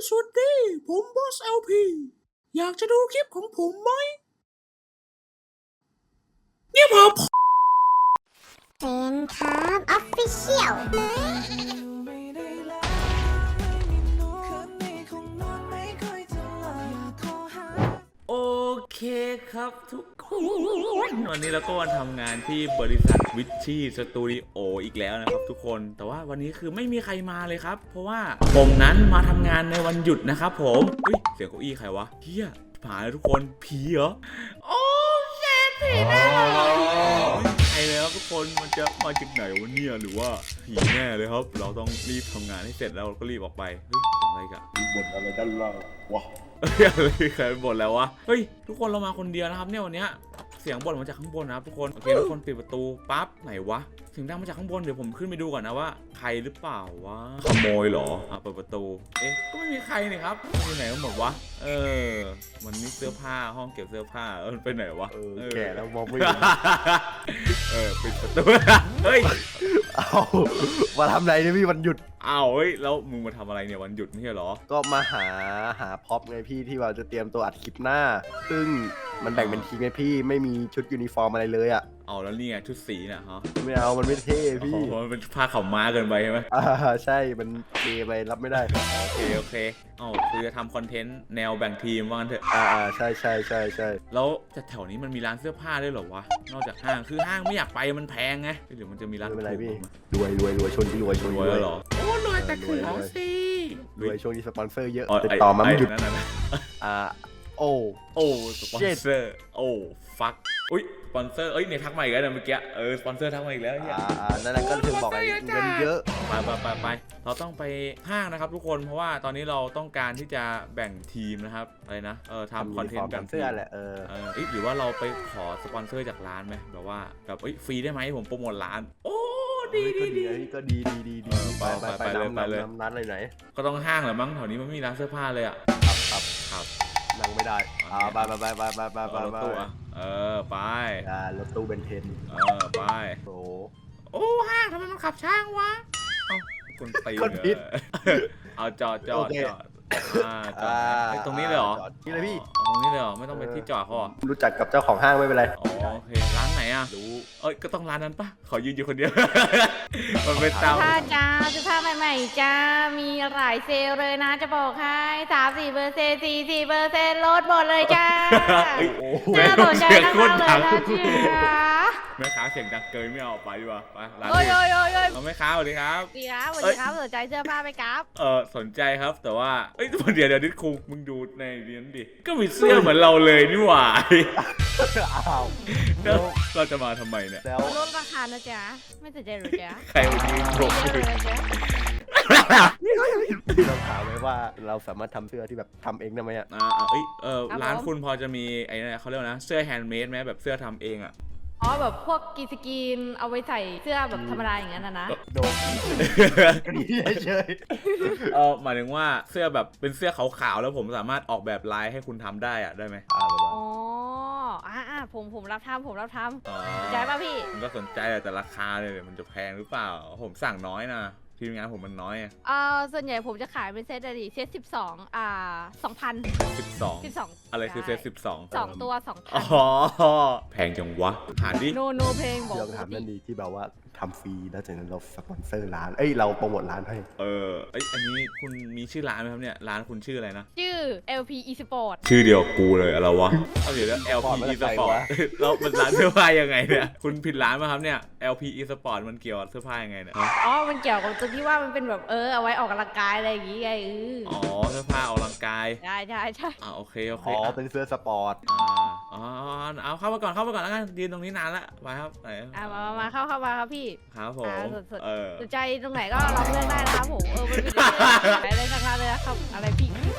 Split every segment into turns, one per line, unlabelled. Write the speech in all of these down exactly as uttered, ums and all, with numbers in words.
สวัสดีผมบอส แอล พี อยากจะดูคลิปของผมไหมเนี่ยผม
เซนครับออฟฟิเชียล
โอเคครับทุกคนวันนี้เราก็มาทำงานที่บริษัทวิชชี่สตูดิโออีกแล้วนะครับทุกคนแต่ว่าวันนี้คือไม่มีใครมาเลยครับเพราะว่าผมนั้นมาทำงานในวันหยุดนะครับผมเฮ้ยเสียงเก้าอี้ใครวะเฮียผ่านเลยทุกคนผีเหรอโอ้เชฟผีแน่ใครเลยครับทุกคนมันจะมาจากไหนวะเนี่ยหรือว่าผีแน่เลยครับเราต้องรีบทำงานให้เสร็จแล้วเราก็รีบออกไปเฮ้ยอะไรกัน
บ่นอะไรด้านล่างวะ
อะไรใครบ่นแล้ววะเฮ้ยทุกคนเรามาคนเดียวนะครับเนี่ยวันเนี้ยเสียงบ่นมาจากข้างบนนะครับทุกคนโอเคทุกคนปิดประตูปั๊บไหนวะเสียงดังมาจากข้างบนเดี๋ยวผมขึ้นไปดูก่อนนะว่าใครหรือเปล่าวะขโมยเหรออ่ะเปิดประตูเอ๊ะก็ไม่มีใครนี่ครับอยู่ไหนกันหมดวะเออมันมีเสื้อผ้าห้องเก็บเสื้อผ้าเออไปไหนวะ
เออแก่แล้วมองไม่เห็น
เออปิดประตูเฮ้ย
เอามาทำไรเนี่ยพี่วันหยุด
อ้าวเฮ้ยแล้วมึงมาทำอะไรเนี่ยวันหยุดไม่ใช่เหรอ
ก็มาหาหาพ็อปไงพี่ที่เราจะเตรียมตัวอัดคลิปหน้า ซึ่งมันแบ่งเป็นทีมไงพี่ไม่มีชุดยูนิฟอร์มอะไรเลยอ่ะ
เอาแล้วนี่ไงชุดสีน่ะฮะ
ไม่เอามันไม่เท่พี่
มันเป็นผ้าขาวม้าเกินไปใช่ไหม
อ่าใช่มันเทไปรับไม่ได้
โอเคโอเคอ๋อคือจะทำคอนเทนต์แนวแบ่งทีมว่างั้นเถอะ
อ่าใช่ใช่ใช่ใช่
แล้วแต่แถวนี้มันมีร้านเสื้อผ้าด้วยเหรอวะนอกจากห้างคือห้างไม่อยากไปมันแพงไงหรือมันจะมีร้าน
ไม่เป็นไรพี่
ถูก
รวยรวยรวยชนที่รวยชน
รวยเหรอโอ้รวยแต่คือเอาสิ
รวยช่วงนี้สปอนเซอร์เยอะ
อ๋อ
ติดต่อมาไม่หยุด
นั่นน่ะ
อ่าโอ้
โอ้สปอนเซอร์โอ้ฟักอุ้ยสปอนเซอร์เอ้ยเนี่ยทักมาอีกแล้วนะเมื่อกี้เออสปอนเซอร์ทักมาอีกแล้วเนี่ย
อ่าอ่านั่นแหละก็ถึงบอกไอ้เงินเยอะ
ไปไปไปไปเราต้องไปห้างนะครับทุกคนเพราะว่าตอนนี้เราต้องการที่จะแบ่งทีมนะครับอะไรนะเออทำคอนเทนต์แบ่งที
เสื้อ
ม
แหละเออ
เออหรือว่าเราไปขอสปอนเซอร์จากร้านไหมแบบว่าแบบเอ้ยฟรีได้ไหมผมโปรโมทร้านโอ้ดีดีดี
ก็ดีดีดีดีไปไปไปเลยไปเลยร้านอะไรไหน
ก็ต้องห้างแหละมั้งแถวนี้มันไม่มีร้านเสื้อผ้าเลยอ่ะ
ครับครับ
ครับ
นั่งไม่ได้อ่าไปไปไปไปไปไปไป
รถตู้อ่ะเออไป
อ่ารถตู้เบนเทน
เออไป
โอ้
โอ้ห้างทำไมมันขับช้างวะเอ้าคนตีเอาจอดจอดจอดอ่าจอดตรงนี้เลยเหรอ
นี่เลยพี่
ตรงนี้เลยเหรอไม่ต้องไปที่จอดเขาเหรอ
รู้จักกับเจ้าของห้างไม่เป็นไร
อ๋อโอเคร้านไหนอ่ะรู้เอ้ยก็ต้องร้านนั้นปะขอยืนอยู่คนเดียว มันเป็นเตา
ผ้าจ้าเสื้อผ้าใหม่ๆจ้ามีหลายเซลล์เลยนะจะบอกให้สามสี่เปอร์เซ็นต์สี่สี่เปอร์เซ็นต์ลดหมดเลยจ้า
แม่
น่าสนใจ
เสียง
มาก
โคตร
เลย
ดัง
นะเจ้า
แม่ค้าเสียงดังเกินไม่เอาไปดีกว่าไปร้าน
โอ้ย
อื่น
โอ้ยโอ้ยโอ้ย
เอาแม่ค้าสวัสดีครับ
ดีครับสวัสดีครับสนใจเสื้อผ้าไหมครับ
เออสนใจครับแต่ว่าเอ้ยเดี๋ยวเดี๋ยวนิดคุงมึงดูในเรียนดิก็มีเสื้อเหมือนเราเลยนี่หว่า
อ้าว
แล้วเราจะมาทำไมเนี่ย
แล้ว
ลดราคานะจ๊ะไม่สนใจหรือจ๊ะ
ใครมายืนโบก
ไม่เยอะเลยนะจ๊ะ
พี่เราถามไว้ว่าเราสามารถทำเสื้อที่แบบทำเองได้ไหมอ่ะ
อ่าเอ้ยเออร้านคุณพอจะมีไอ้เนี่ยเขาเรียกว่านะเสื้อแฮนด์เมดไหมแบบเสื้อทำเองอ่ะ
อ๋อแบบพวกกีสกรีนเอาไว้ใส่เสื้อแบบธรรมดาอย่างนั้นนะนะ
โดนก็ดีเฉย
เออหมายถึงว่าเสื้อแบบเป็นเสื้อขาวๆแล้วผมสามารถออกแบบลายให้คุณทำได้อะได้ไหม
อ่าแบบว่า
อ๋ออ่าอ่าผมผมรับทำผมรับทำ
อ๋อ
สนใจป่ะพี่
มันก็สนใจแต่ราคาเลยมันจะแพงหรือเปล่าผมสั่งน้อยนะทีมงานผมมันน้อยอะ
เอ่อส่วนใหญ่ผมจะขายเป็นเซตอะดิเซตสิบสองอ่าสองพัน
สิบสอง
สิบสอง
อะไรคือเซตสิบสอง
สองตัวสองพั
อ๋
น
อแพงจังวะหาดิ
โนโนเพลงบอก
เราถามนั่นดีที่แบบว่าทำฟรีแล้วจากนั้นเราสปอนเซอร์ร้านเอ้ยเราโปรโมทร้านให้
เออไอยอันนี้คุณมีชื่อร้านไหมครับเนี่ยร้านคุณชื่ออะไรนะ
ชื่อ แอล พี eSport
ชื่อเดียวกูเลยอะไรวะเอาเดี๋ยวแล้ว แอล พี eSport แล้วมันร้านเสื้อผ้ายังไงเนี่ยคุณผิดร้านป่ะครับเนี่ย แอล พี eSport มันเกี่ยวกับเสื้อผ้ายังไงเนี่ย
อ๋อ มันเกี่ยวกับตรงที่ว่ามันเป็นแบบเออเอาไว้ออกกำลังกายอะไรอย่างงี้ไงเออ
อ๋อเสื้อผ้าออกกำลังกาย
ใช่ใช่ใช่
อ่าโอเคโอเค
อ๋อ
อ่ะ
เป็นเสื้อสปอร์ต
อ่าอ๋อเอาเข้ามาก่อนเข้ามาก่อนแล้วกันยืนตรงนี้นานละไปครับไหน
อ่ะมามามาเข้าเข้ามาครับพี่
ครับผม
อ่าสดสด
เออ
สนใจตรงไหนก็ลองเลือกได้นะครับผมเออมันเป็นอะไรอะไรสักเลยนะครับอะไรพี่อะไรวะ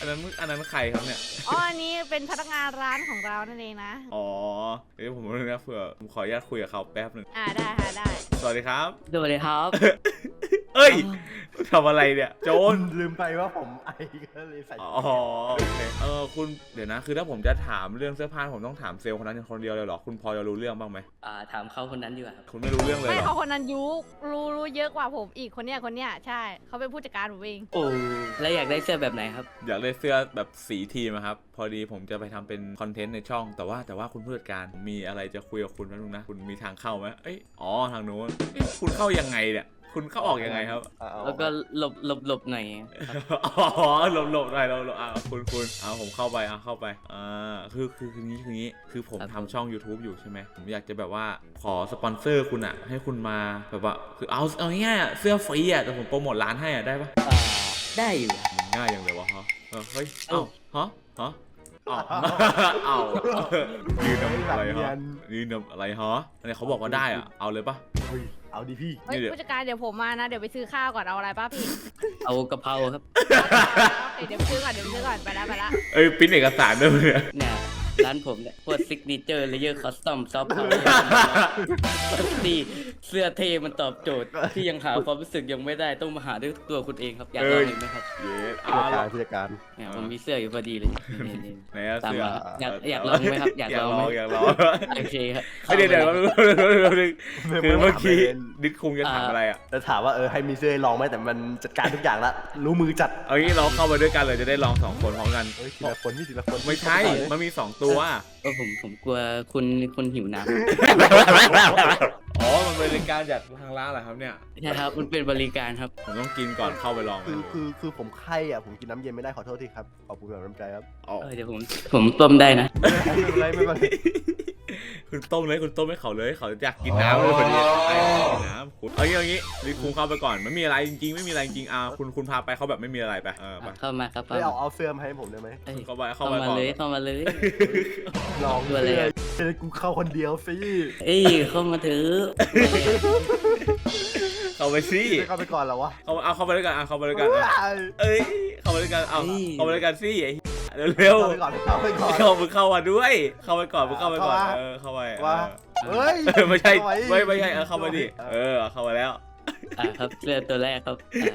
นนั้นอันนั้นใครครับเนี่ย
อ๋ออันนี้เป็นพนักงานร้านของเรานั่นเองนะ
อ๋อเดี๋ยวผมรู้นะเผื่อผมขออนุญาตคุยกับเขาแป๊บหนึ่ง
อ่าได้ค่ะได้
สวัสดีครับ
สวัสดีครับ
เอ้ยทำอะไรเนี่ยโจร
ลืมไปว่าผมไอก็เลยใส่
อ๋อโอเคเออคุณเดี๋ยวนะคือถ้าผมจะถามเรื่องเสื้อผ้าผมต้องถามเซลล์คนนั้นคนเดียวเลยเหรอคุณพอจะรู้เรื่องบ้างไหม
อ่าถามเขาคนนั้นดีกว่าครับ
คุณไม่รู้เรื่องเลย
ไม่
เหรอ
เขาคนนั้นยุรู้รู้เยอะกว่าผมอีกคนเนี้ยคนเนี้ยใช่เขาเป็นผู้จัดการผมเอง
โอ้แล้วอยากได้เสื้อแบบไหนครับ
อยากได้เสื้อแบบสีทีมอะครับพอดีผมจะไปทำเป็นคอนเทนต์ในช่อง แต่ว่าแต่ว่าคุณผู้จัดการมีอะไรจะคุยกับคุณนะลุงนะคุณมีทางเข้าไหมเอ้ยอ๋อทางโน้นเอ๊ะคุณเข้ายังไงเนี่ยคุณเข้าออกยังไงครับ
เอาเอา
แล้วก็หลบหลบหลบหน่อยครับ
อ๋อหลบหลบหน่อยหลบหลบอ่ะคุณคุณเอาผมเข้าไปเอาเข้าไปอ่าคือคือคืองี้คืองี้คือผม
ครับ
ทำช่อง YouTube อยู่ใช่ไหมผมอยากจะแบบว่าขอสปอนเซอร์คุณอะให้คุณมาแบบว่าคือเอาเอาง่ายๆอะเสื้อฟรีอะแต่ผมโปรโมทร้านให้อะได้ปะ
อ่าได้อยู่
มันง่ายอย่างเลยวะฮะเออเฮ้ยเอ้าฮะฮะเอ้าเอ้ายืนทำอะไรฮะยืนทำอะไรฮะอันนี้เขาบอกว่าได้อะเอาเลยปะ
เฮ้ยเอาดิพี่
เฮ้ย
นี่เดี๋ยว
ผู้จัดการเดี๋ยวผมมานะเดี๋ยวไปซื้อข้าวก่อนเอาอะไรป้าพี่
เอากะเพราครับ
โอเคเดี๋ยวไปซื้อก่อนเดี๋ยวไปซื้อก่อนไปแล้วไปแล้ว
เอ้ยปริ้นเอกสารด้วยเนี่ย
เนี่ยร้านผมเนี่ยพวกซิกเนเจอร์เลเยอร์คอสตอมซอฟต์พาวเวอร์ดีเสื้อเทมันตอบโจทย์ ที่ยังหาความรู้สึกยังไม่ได้ต้องมาหาด้วยตัวคุณเองครับอยากลองเห็นไหมครับ
เย้
ผู้
เอา
จัด
ละ
การผู้จัดการ
เนี่ยผมมีเสื้ออยู่พอดีเลยนี่นี่
ไหนอะ
ตาม
เสื้อ
มาอยากอยากลองไหมครับอยากลองไหม
อยากลอง
โอเคครับ
เฮ้ยเดี๋ยวเดี๋ยวคือเมื่อกี้
ไม่
ดิดคุงจะถามอะไรอ่ะ
จะถามว่าเออให้มีเสื้อให้ลองไหมแต่มันจัดการทุกอย่างละรู้มือจัด
เอางี้เราเข้าไปด้วยกันเลยจะได้ลองสองคนพร้อมกัน
เฮ้ยทีละคนพี่ทีละคน
ไม่ใช่ มันมีสองตัว
ก็ผมผมกลัวคุณคุณหิวน้ำ
อ๋อ มันเป็นการจัดทางร้านเหรอครับเนี่ย
ใช่ครับมันเป็นบริการครับ
ผมต้องกินก่อนเข้าไปลอง
คือคือคือผมไข้อ่ะผมกินน้ำเย็นไม่ได้ขอโทษทีครับขอบคุณแบบน้ำใจครับ
อ๋อ
เออเดี๋ยวผมผมต้มได้นะ
ไม่เป็นไรไม่เป็นไร
คุณต้มเลยคุณต้มให้เขาเลยเขาอยากกินน้ำเลยคนนี้ไอ้กินน้ำคุณเอางี้เอางี้ดิดคุงเข้าไปก่อนไม่มีอะไรจริงๆไม่มีอะไรจริงๆอ่ะคุณคุณพาไปเขาแบบไม่มีอะไรไปเออไป
เข้ามาครับ
เฮ้ยเอาเอาเสื้อมาให้ผมได้ไหม
เอ้ย
เข้าไปเข้า
เข้า
ไป
มา
ก่อน
เลยเข้ามาเลย
ลอง
ตัวอะไรอะ
เออกูเข้าคนเดียวสิ
เอ้ยเข้ามาเถอะ
เข้าไปสิ
ไม่เข้าไปก่อนเหรอวะ
เข้าเอาเข้าไปด้วยกันอ่ะเข้าไปด้วยกันอ่ะ
เอ้ย
เอ้ยเข้าไปด้วยกันเอาเข้าไปด้วยกันสิไอ้เร็ว
เข้าไปก่อนเข้าไปก่อน
ๆเข้ามึงเข้ามาด้วย เข้าไปก่อนมึงเข้าไปก่อน
เข้ามา
เออเข้าไป
ว่า
เออ
เฮ้ย
เออไม่ใช่
เข้าป
ไม่ไม่ใช่เออเข้ามาดิเออเข้ามาแล้ว
อ่าครับเสื้อตัวแรกครับ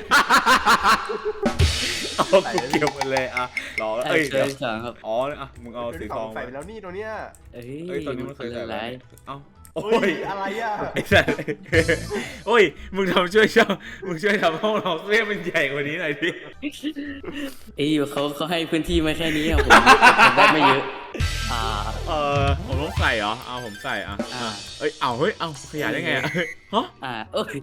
เอากูเกี่ยวมันเลยอ่ะรอ
อ่า
เอ้ย
เสื้
เดี๋
อ
ยว
ที่สองครับ
อ๋ออ่ะมึงเอาสีทอง
ใส่ไปแล้วนี่ตัวเนี้ย
เอ้ย
เอ้ยตอนนี้มันเคยใส่
อะ
แล้
ไร
วเอ้าโอ้
เฮ้
ย
ยอะไรอ่ะ
ไอ้สัสโอ้ยมึงทำช่วยช่องมึงช่วยทำห้องเราเรียกมันใหญ่กว่านี้หน่อยดิ
เอ้ยเขาเขาให้พื้นที่มาแค่นี้อะผมผมได้ไม่เยอะอ่า
เออผมต้องใส่เหรอเอาผมใส่อ่ะ
อ่า
เอ้ยเอาเฮ้ยเอาขยายได้ไงอ่ะฮะ
อ่าโอ้ย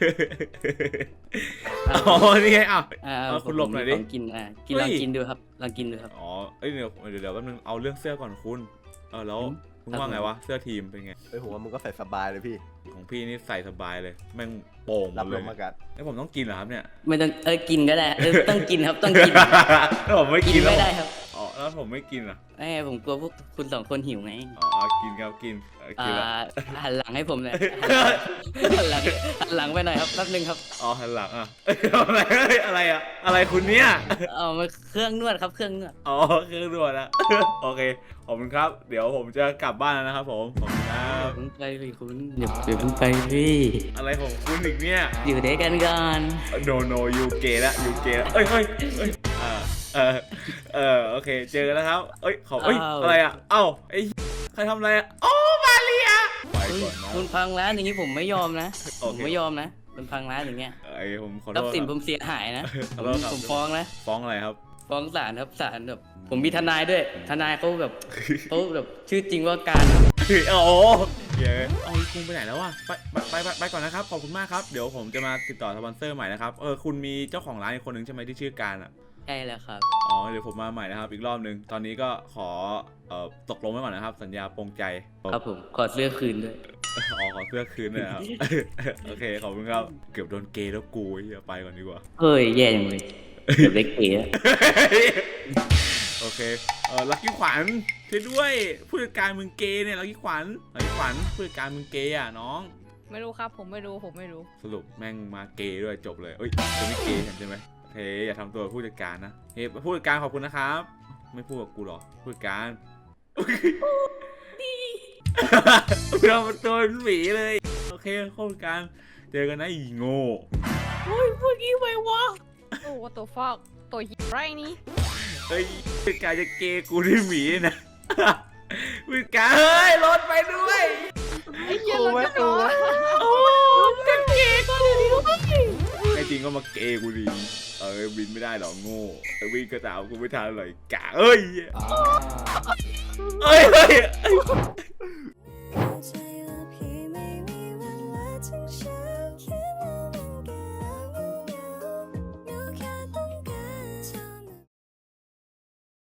อ๋อนี่ไงอ่ะ
อ่า
เอาคุณหลบหน่อยดิ
ผมกินอ่ากิน
เฮ้
ลอย งกินดูครับลองกินดูครับ
อ๋อเอ้ยเดี๋ยวเดี๋ยวเดี๋ยวแป๊บนึงเอาเรื่องเสื้อก่อนคุณเออแล้ว
อืม
คุณว่าไงวะเสื้อทีมเป็นไง
เฮ้ยผมว่ามึงก็ใส่สบายเลยพี่
ของพี่นี่ใส่สบายเลยแม่งโป่งหม
รับ
ด
ล
เลย
มอากาศ
ไอ้ยผมต้องกินเหรอครับเนี่ย
ไม่ต้องเออกินก็ได้เออต้องกินครับต้องกิน
ถ้าผมไม่
กิ
กิ
น
นแล้ว
ไม่ได้ครับ
อ๋อแล้วผมไม่กินอ่ะ
ไอ้ผมกลัวพวกคุณสองคนหิวไง
อ๋อกินครับกินเออ
อ่า
กินแล้ว
หันหลังให้ผมหน่อยหันหลังหันหลังไปหน่อยครับแป๊บนึงครับ
อ๋อหันหลังอ่ะเอ้ยอะไรเอ้ยอะไรอ่ะอะไรคุณเนี่ย
เอามาเครื่องนวดครับเครื่องนวด
อ๋อเครื่องด่วนอะ โอเคขอบคุณครับ เดี๋ยวผมจะกลับบ้านแล้วนะครับผมขอบคุณครับ
ผมไปพี่คุณเดี๋ยวเดี๋ยวผมไปพี่
อะไรของคุณอีกเนี่ย
อยู่ด้วยกันก่อน
โนโนยูเกะละยูเกะละเอ้ยเฮ้ยเอ้ยอ่าเออเออโอเคเจอกันแล้วครับเอ้ยเขาเอ้ยอะไรอ่ะเอ้าไอ้ใครทำอะไรอ่ะโอ้มาเรียไป
เฮ้ย
ก่อนนะ
คุณพังร้านอย่างนี้ผมไม่ยอมนะ
โอ
ผม
เค
ไม่ยอมนะคุณพังร้านอย่างเงี้ย
ไอ้ผมขอ
ท
โท
รัพ
ษ
ย์สิน
ค
ผ
รับ
มเสียหายนะ
ขอโทษครับ
ผมฟ้องนะ
ฟ้องอะไรครับ
ฟ้องศาลครับศาลแบบผมมีทนายด้วย ทนายเขาแบบเขาแบบชื่อจริงว่าการครับ
โอ้เย้เอาคุณไปไหนแล้ววะไปไปไปไปก่อนนะครับขอบคุณมากครับเดี๋ยวผมจะมาติดต่อสปอนเซอร์ใหม่นะครับเออคุณมีเจ้าของร้านอีกคนหนึ่งใช่ไหมที่ชื่อการอ่ะ
ใช่แล้วครับ
อ๋อเดี๋ยวผมมาใหม่นะครับอีกรอบหนึ่งตอนนี้ก็ขอเอ่อตกลงไว้ก่อนนะครับ สัญญาปรงใจ
ครับผมขอเสื้อคืนด้วย
อ๋อขอเสื้อคืนด้วยนะครับ โอเคขอบคุณครับเกือบโดนเกย์แล้วกูเฮียไปก่อนดีกว่า
เฮ้ยแย่จังเลยเดี๋ยวเล็กเก๋อะ
โอเคเออลักกี้ขวัญช่วยด้วยผู้จัดการมึงเกย์เนี่ยลักกี้ขวัญลักกี้ขวัญผู้จัดการมึงเกย์อ่ะน้อง
ไม่รู้ครับผมไม่รู้ผมไม่รู้
สรุปแม่งมาเกย์ด้วยจบเลยเอ้ยจะไม่เกย์กันใช่ไหมเฮ้ยอย่าทำตัวผู้จัดการนะเฮ้ยผู้จัดการขอบคุณนะครับ ไม่พูดกับกูหรอผู้จัดการเราเป็นตัวหมีเลยโอเคผู้จัดการเจอกันนะอีโง่
โอ้ยพูดงี้ไปวะโอ้ตัวฟอกตัวหิไรนี่
เฮ้ยผู้จัดการจะเกย์กูด้วยหมีนะผู้จัดการเฮ้ยรถไปด้วย
ไอ้เหี้ยรถจะร้อนโอ้กันเกย์ก็เลยด้วย
แค่จริงก็มาเกย์กูดีเออบินไม่ได้หรอกโง่เออบินกระตามกูไม่ทันเลยกะเอ้ยเอ้ยเฮ้ย